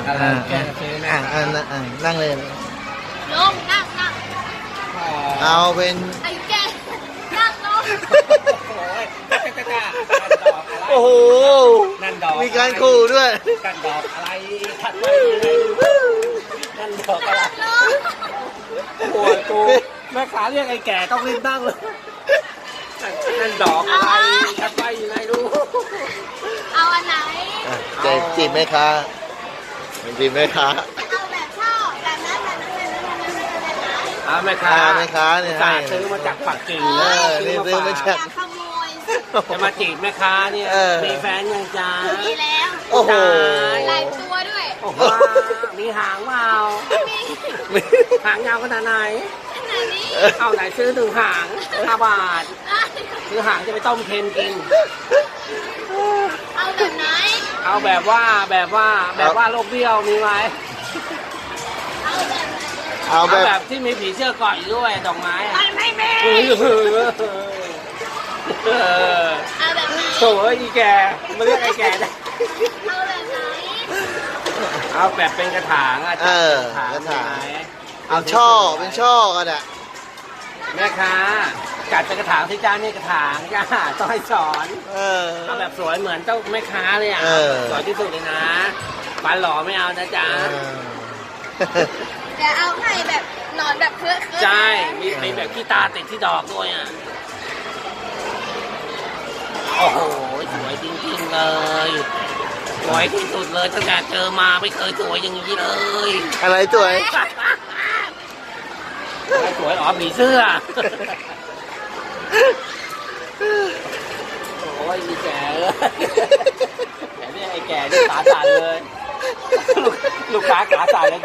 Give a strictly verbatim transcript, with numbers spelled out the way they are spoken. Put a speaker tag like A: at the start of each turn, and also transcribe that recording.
A: อะไรแกซื้อนะ
B: อ่าอ่าอ่านั่งเลย
C: ลงนั่งนั่ง
B: เอาเป็น
C: ไอ้แกนั่งลง
A: โอ้ยจ้าจ้าจ้าดอกอะไร
B: โอ้โห
A: นั่นดอก
B: มีการขู่ด้วย
A: กันดอกอะไรทัดไว้ยังไงนั่นดอกอะไร
C: ลง
A: โอ้ยกูแม่ค้าเรียกไอ้แก่ต้องรีบนั่งเลยนั่นดอกอะไรทัดไว้ยังไงรู้
C: เอาอันไหน
B: อ่ะจะจีบแม่ค้าจีบแม่ค้า
C: เอาแบบชอบแบบนั้นแบบนั้นแบบนั้นแบบนั้นแบบนั้น
A: อ่าแม่ค้า
B: อ่าแม่ค้าเนี่ย
A: จ่า
B: ให้
A: ซื้อมาจากปักกิ่ง
B: เออนี่ซื้อมา
C: อ
B: จาก
C: ย่าขโมย
A: จะมาจีบแม่ค้าเนี่ย
B: เออ
A: มีแฟนยังจ้า
C: มีแล้ว
B: โอ้โห
C: หลายตัวด้วย
A: โอ้โหมีหางเปล่า
C: มี
A: หางยาวขนาดไหน
C: ขนาดนี้
A: เอาไหนซื้อหนึ่งหางห้าบาทซื้อหางจะไปต้มเค็มกิน
C: เอาแบบไหน
A: เอาแบบว่าแบบว่าแบบว่าโรคเบี้ยวมีไหม
C: เอาแบบไหน
B: เอา
A: เอา
B: แบบ
A: แบบที่มีผีเสื้อเกาะอยู่ด้วยดอกไม้อะ
C: ไม่ไม่มี
A: เออเออ
C: เอาแบบไหน
A: โถ่เอ้ยอีแกมาเรียกไอ้แกได้
C: เอาแบบไหน
A: เอาแบบเป็นกระถางอะ
B: เออ
A: จัด
B: กระถาง
A: มีไหม
B: เอาช่อเป็นช่อกันอ่ะ
A: แม่ค้าจัดเป็นกระถางที่จ้านี่กระถางจ้าต้องให้สอน
B: เออ
A: เอาแบบสวยเหมือนเจ้าแม่ค้าเลยอ่ะ
B: เออ
A: สวยที่สุดเลยนะฟันหล่อไม่เอานะจ๊ะ
B: เออ
C: แต่เอาให้แบบนอนแบบเคลื่อนเคลื่อน
A: ใช่ มีมีแบบขี้ตาติดที่ดอกด้วยอ่ะ โอ้โห สวยจริงๆเลย สวยที่สุดเลยตั้งแต่เจอมาไม่เคยสวยอย่างนี้เลย
B: อะไรสวย
A: ไม่สวยอ๋อผีเสื้อ โอ้ยมีแก่เลยแต่เนี่ยไอ้แก่นี่ขาสั่นเลย ลูกลูกค้าขาสั่นเลย